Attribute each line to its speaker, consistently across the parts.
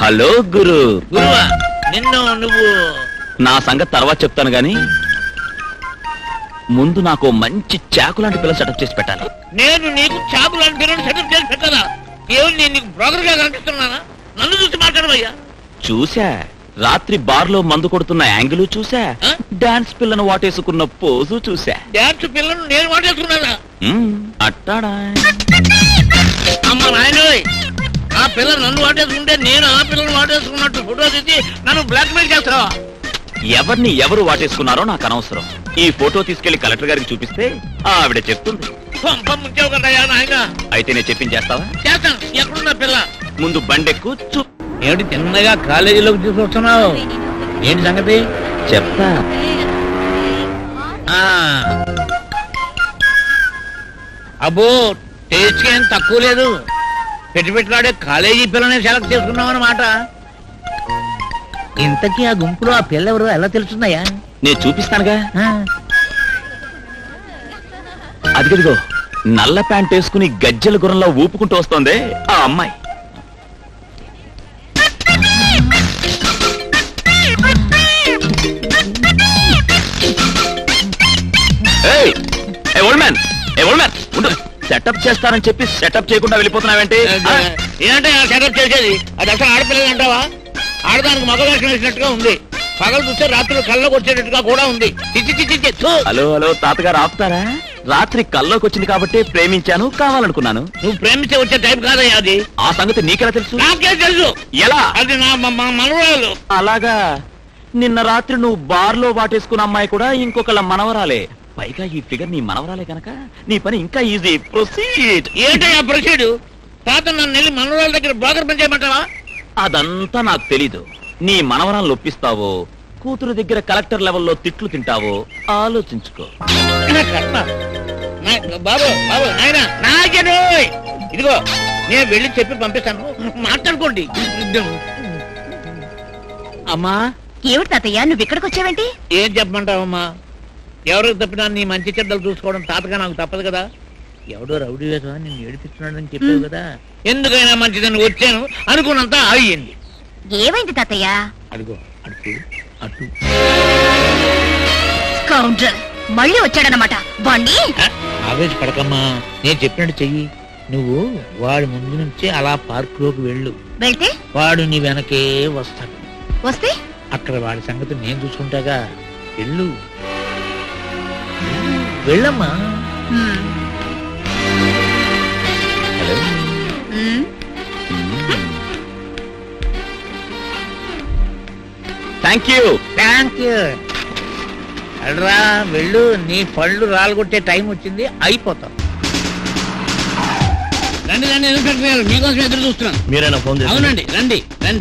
Speaker 1: Hello గురు.
Speaker 2: గురువా నిన్ను నువ్వు
Speaker 1: నా సంగతి తర్వాత చెప్తాను గాని ముందు నాకు మంచి చాకు లాంటి పిల్ల సెటప్ చేసి పెట్టాలి.
Speaker 2: నేను నీకు చాపు లాంటి పిల్లలు సెటప్ చేసి పెట్టదా? ఏమి నేను నీకు బ్రోకర్ గా కనిపిస్తున్నానా? నన్ను చూసి మాట్లాడవయ్యా.
Speaker 1: చూసా, రాత్రి బార్ లో మందు కొడుతున్న యాంగిల్ చూసా,
Speaker 2: ఆ?
Speaker 1: డాన్స్ పిల్లను వాటేసుకున్న పోజు చూసా.
Speaker 2: డాన్స్ పిల్లను నేను వాడేసుకున్నానా?
Speaker 1: అట్టాడా
Speaker 2: అమ్మ నాయనోయ్, ఆ పిల్ల నన్ను వాటేసుకుంటే నేను ఆ పిల్లను వాటేసుకున్నట్టు ఫోటో తీసి నన్ను బ్లాక్ మెయిల్ చేస్తావా?
Speaker 1: ఎవరిని ఎవరు వాటేసుకున్నారో నాకు అనవసరం. ఈ ఫోటో తీసుకెళ్లి కలెక్టర్ గారికి చూపిస్తే ఆవిడ చెప్తుంది.
Speaker 2: పంప ముంచావు కదయ్యా నాయన.
Speaker 1: అయితే నేను చెప్పించేస్తావా?
Speaker 2: చేస్తాను. ఎక్కడున్నా పిల్ల?
Speaker 1: ముందు బండెక్కు చూ.
Speaker 2: ఏమిటి తిన్నగా కాలేజీలోకి తీసుకొస్తున్నావు? ఏంటి సంగతి?
Speaker 1: చెప్తా.
Speaker 2: అబ్బో, టేస్ట్ ఏం తక్కువ లేదు. పెట్టుబెట్టులాడే కాలేజీ పిల్లని సెలెక్ట్ చేసుకున్నావు అన్నమాట. ఇంతకీ ఆ గుంపులో ఆ పిల్ల ఎవరు ఎలా తెలుస్తుందయ్యా?
Speaker 1: నేను చూపిస్తానుగా. అదిగదిగో నల్ల ప్యాంట్ వేసుకుని గజ్జల గుర్రంలో ఊపుకుంటూ వస్తోంది ఆ అమ్మాయి. సెటప్ చేస్తానని చెప్పి సెటప్ చేయకుండా వెళ్ళిపోతున్నావేంటి?
Speaker 2: ఏంటంటే సెటప్ చేసేది? అది అసలు ఆడపిల్లలు అంటావా? ఆడదానికి మగ వేషం వేసినట్టుగా ఉంది. పగలు చూస్తే రాత్రులు కళ్ళకు వచ్చేటట్టుగా కూడా ఉంది.
Speaker 1: హలో హలో తాతగారు ఆపుతారా? రాత్రి కల్లోకి వచ్చింది కాబట్టి ప్రేమించాను, కావాలనుకున్నాను.
Speaker 2: నువ్వు ప్రేమించే వచ్చే టైప్ కాదయ్యా అది.
Speaker 1: ఆ సంగతి నీకెలా తెలుసు?
Speaker 2: నాకే తెలుసు.
Speaker 1: ఎలా?
Speaker 2: అది నా మనవరాలు.
Speaker 1: అలాగా? నిన్న రాత్రి నువ్వు బార్ లో వాటేసుకున్న అమ్మాయి కూడా ఇంకొకళ్ళ మనవరాలే. పైగా ఈ ఫిగర్ నీ మనవరాలే కనుక నీ పని ఇంకా ఈజీ. ప్రొసీడ్.
Speaker 2: ఏంటయ్యా ప్రొసీడ్? తాత నన్ను వెళ్ళి మనవరాల దగ్గర బ్రోకర్ పని చేయమంటావా?
Speaker 1: అదంతా నాకు తెలీదు. నీ మనవరాలను ఒప్పిస్తావో, కూతురు దగ్గర కలెక్టర్ లెవెల్లో తిట్లు తింటావో ఆలోచించుకో.
Speaker 2: బాబు బాబు నాయనా నాయనోయ్, ఇదిగో నేను వెళ్ళి చెప్పి పంపిస్తాను, మాట్లాడుకోండి. అమ్మా.
Speaker 3: ఏమిటి తాతయ్య నువ్వు ఇక్కడికి వచ్చావేంటి?
Speaker 2: ఏం చెప్పమంటావమ్మా? ఎవరికి తప్పినా నీ మంచి చెడ్డలు చూసుకోవడం తాతగా నాకు తప్పదు కదా. ఎవడో రౌడీ వేసా నేను ఏడిపిస్తున్నాడని చెప్పావు కదా. ఎందుకైనా మంచిదని వచ్చాను, అనుకున్నంత అయ్యింది.
Speaker 3: ఏమైంది తాతయ్య?
Speaker 2: అదిగో అటు అటు.
Speaker 3: స్కౌండ్రల్ మళ్ళీ వచ్చాడనమాట. వాణ్ణి
Speaker 2: ఆవేశపడకమ్మా, నేను చెప్పినట్టు చెయ్యి. నువ్వు వాడి ముందు నుంచి అలా పార్క్ లోకి వెళ్ళు.
Speaker 3: వెళ్తే
Speaker 2: వాడు నీ వెనకే వస్తాడు.
Speaker 3: వస్తే
Speaker 2: అక్కడ వాడి సంగతి నేను చూసుకుంటాగా. వెళ్ళు వెళ్ళమ్మా.
Speaker 1: Thank you.
Speaker 2: Thank you. అడ్రా వెళ్ళు, నీ పళ్ళు రాలగొట్టే టైం వచ్చింది, అయిపోతాం. రండి రండి, ఇన్స్పెక్టర్ గారు మీకోసం ఎదురు చూస్తున్నాను.
Speaker 1: మీరైనా ఫోన్ చేసి?
Speaker 2: అవునండి, రండి రండి.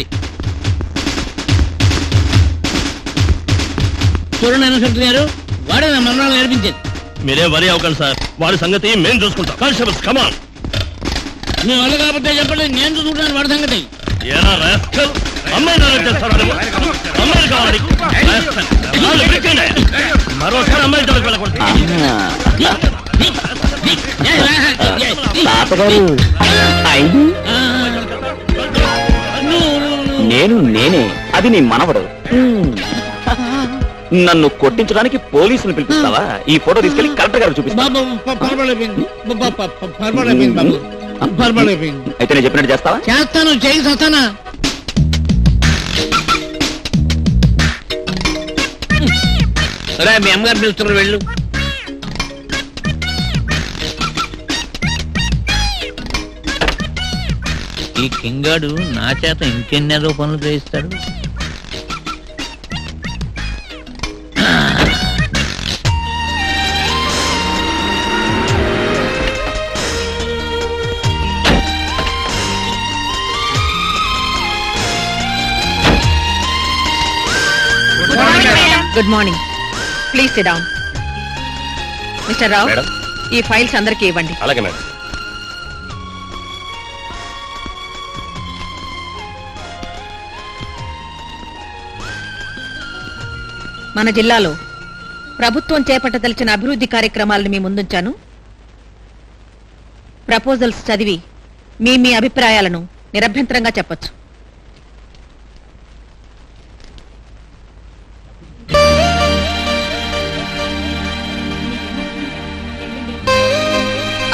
Speaker 2: చూడండి ఇన్స్పెక్టర్ గారు, వాడే నా మనవరాలు నేర్పించేది.
Speaker 1: మీరేం వరి అవ్వకండి సార్, వాడి సంగతి మేము చూసుకుంటాం. Constables come on.
Speaker 2: మీ వల్ల కాబట్టి చెప్పండి, నేను చూసుకుంటాను వాడి సంగతి.
Speaker 1: ఏరా రాస్కల్, అమ్మాయి అమ్మాయిలు కావాలి. మరోసారి అమ్మాయి జోలికి వెళ్ళకూడదు. నేనే అది నీ మనవడు. నన్ను కొట్టించడానికి పోలీసులు పిలిపిస్తావా? ఈ ఫోటో తీసుకెళ్లి కలెక్టర్ గారు చూపిస్తా. అయితే నేను చెప్పినట్టు చేస్తావా?
Speaker 2: చేస్తాను, చేయి సస్తానా. సరే మీ అమ్మగారు పిలుస్తున్నారు, వెళ్ళు. ఈ కింగాడు నా చేత ఇంకెన్నేదో పనులు చేయిస్తాడు.
Speaker 4: Good morning. Please sit down. Mister Rao, ఈ ఫైల్స్ అందరికీ ఇవ్వండి.
Speaker 1: అలాగే మేడం.
Speaker 4: మన జిల్లాలో ప్రభుత్వం చేపట్టదలిచిన అభివృద్ధి కార్యక్రమాలను మీ ముందుంచాను. ప్రపోజల్స్ చదివి మీ మీ అభిప్రాయాలను నిరభ్యంతరంగా చెప్పొచ్చు.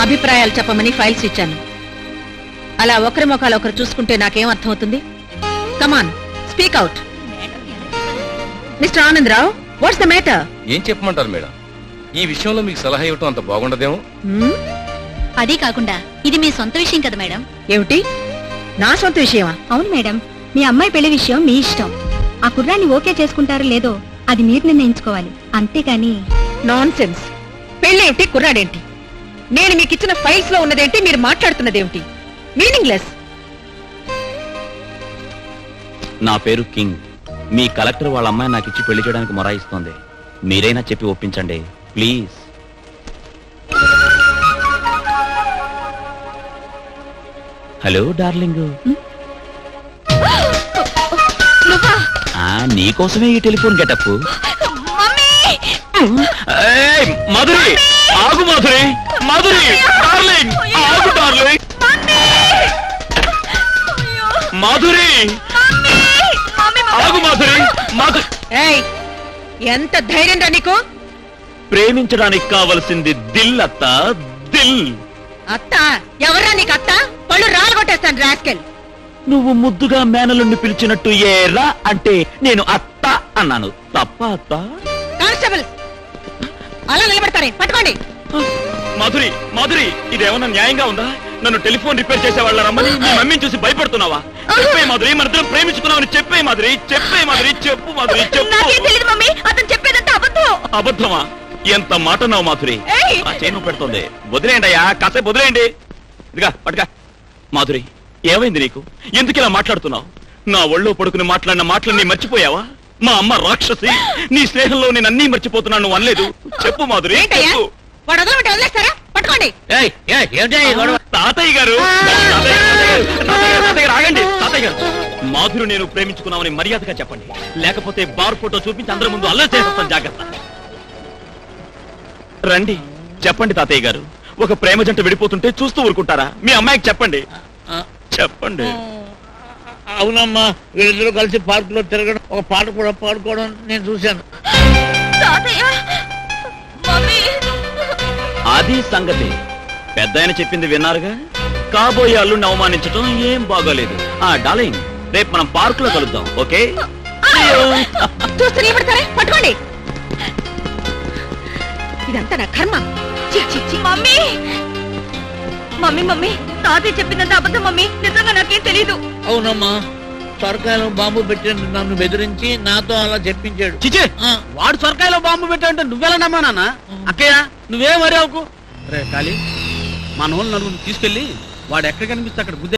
Speaker 4: అభిప్రాయాలు చెప్పమని ఫైల్స్ ఇచ్చాను. అలా ఒకరి ముఖాలు ఒకరు చూసుకుంటే నాకేం అర్థమవుతుంది? Come on, speak out. Mister Anandarao, what's the matter?
Speaker 5: ఏం చెప్పమంటారు మేడం? ఈ విషయంలో మీకు సలహా ఇవ్వటం అంత బాగుండదేమో.
Speaker 3: అదీ కాకుండా ఇది మీ సొంత విషయం కదా మేడం.
Speaker 4: ఏమిటి, నా సొంత విషయమా?
Speaker 3: అవును మేడం, మీ అమ్మాయి పెళ్లి విషయం మీ ఇష్టం. ఆ కుర్రాన్ని ఓకే చేసుకుంటారో లేదో అది మీరు నిర్ణయించుకోవాలి, అంతేగాని.
Speaker 4: Nonsense. పెళ్ళేమిటి, కుర్రాడేంటి? నేను మీకు ఇచ్చిన ఫైల్స్ లో ఉన్నదేంటి, మీరు మాట్లాడుతున్నదేమిటి? మీనింగ్లెస్.
Speaker 1: నా పేరు కింగ్. మీ కలెక్టర్ వాళ్ళ అమ్మాయి నాకు ఇచ్చి పెళ్లి చేయడానికి మొరాయిస్తోంది. మీరైనా చెప్పి ఒప్పించండి ప్లీజ్. Hello darling. నీకోసమే ఈ టెలిఫోన్ గెటప్. మధురి ఆగు, మధురి మధురి డార్లింగ్ ఆగు డార్లింగ్. మాధురి ఆగు, మాధురి మాధురి.
Speaker 4: ఏయ్, ఎంత ధైర్యం రా నీకు?
Speaker 1: ప్రేమించడానికి కావలసింది దిల్ అత్త, దిల్.
Speaker 4: అత్త ఎవరా నీకు? అత్త పళ్ళు రాలగొట్టేస్తాను రాస్కెల్.
Speaker 1: నువ్వు ముద్దుగా మేనలుండి పిలిచినట్టు ఏరా అంటే నేను అత్త అన్నాను. తప్ప అత్త?
Speaker 4: కానిస్టేబుల్, అలా నిలబడతారే, పట్టుకోండి.
Speaker 1: మాధురి మాధురి, ఇదేమన్నా న్యాయంగా ఉందా? నన్ను టెలిఫోన్ రిపేర్ చేసే వాళ్ళ రమ్మని మీ మమ్మీని చూసి భయపడుతున్నావా? చెప్పే మాధురి, మన ఇద్దరం ప్రేమించుకున్నామని చెప్పే మాధురి, చెప్పే మాధురి, చెప్పు మాధురి, చెప్పు.
Speaker 3: మమ్మీ, అతను చెప్పేదంతా అబద్ధం.
Speaker 1: అబద్ధమా? ఎంత మాట నావు మాధురి.
Speaker 3: ఏయ్!
Speaker 1: ఆ చేను పెడుతుంది. వదిలేయండి అయ్యా, కాసేపు వదిలేయండి. ఇదిగా పట్టుగా. మాధురి, ఏమైంది నీకు? ఎందుకు ఇలా మాట్లాడుతున్నావు? నా ఒళ్ళో పడుకుని మాట్లాడిన మాటలన్నీ మర్చిపోయావా? మా అమ్మ రాక్షసి, నీ స్నేహంలో నేను అన్నీ మర్చిపోతున్నాను నువ్వు అనలేదు. చెప్పు మాధురి,
Speaker 4: ఏంటయ్యా?
Speaker 1: చెప్పు.
Speaker 4: వాడు వదలమంటే వదిలేస్తారా? పట్టుకోండి.
Speaker 2: ఏమిటా ఈ గొడవ?
Speaker 1: తాతయ్య గారు, తాతయ్య గారు ఆగండి. తాతయ్య గారు, మాధురు నేను ప్రేమించుకున్నామని మర్యాదగా చెప్పండి, లేకపోతే బార్ ఫోటో చూపించి అందరి ముందు అల్లరి చేసేస్తాను. జాగ్రత్త. రండి చెప్పండి తాతయ్య గారు. ఒక ప్రేమ జంట విడిపోతుంటే చూస్తూ ఊరుకుంటారా? మీ అమ్మాయికి చెప్పండి, చెప్పండి.
Speaker 2: అవునమ్మా, వీళ్ళిద్దరూ కలిసి పార్క్ లో తిరగడం, ఒక పాట కూడా పాడుకోవడం నేను చూశాను.
Speaker 1: అది సంగతి. పెద్ద ఆయన చెప్పింది విన్నారుగా. కాబోయే అల్లుడిని అవమానించడం ఏం బాగోలేదు. డార్లింగ్, రేపు మనం పార్క్ లో కలుద్దాం, ఓకే?
Speaker 4: చూస్తూ నిలబడతారే, పట్టుకోండి. ఇదంతా నా కర్మ.
Speaker 3: మమ్మీ మమ్మీ మమ్మీ, తాతయ్య చెప్పిందంతా అబద్ధం మమ్మీ. నిజంగా నాకేం తెలీదు.
Speaker 2: అవునమ్మా, సొరకాయలో బాంబు పెట్టిన నన్ను బెదిరించి నాతో అలా చెప్పించాడు.
Speaker 6: చిచే, వాడు సొరకాయలో బాంబు పెట్టాడంటే నువ్వెలా నమ్మా నాన్న? అక్కయ్య, నువ్వేం వరి అవుకు. రే కాళీ, మన వాళ్ళు నలుగురు తీసుకెళ్ళి వాడు ఎక్కడ కనిపిస్తే అక్కడ గుద్దే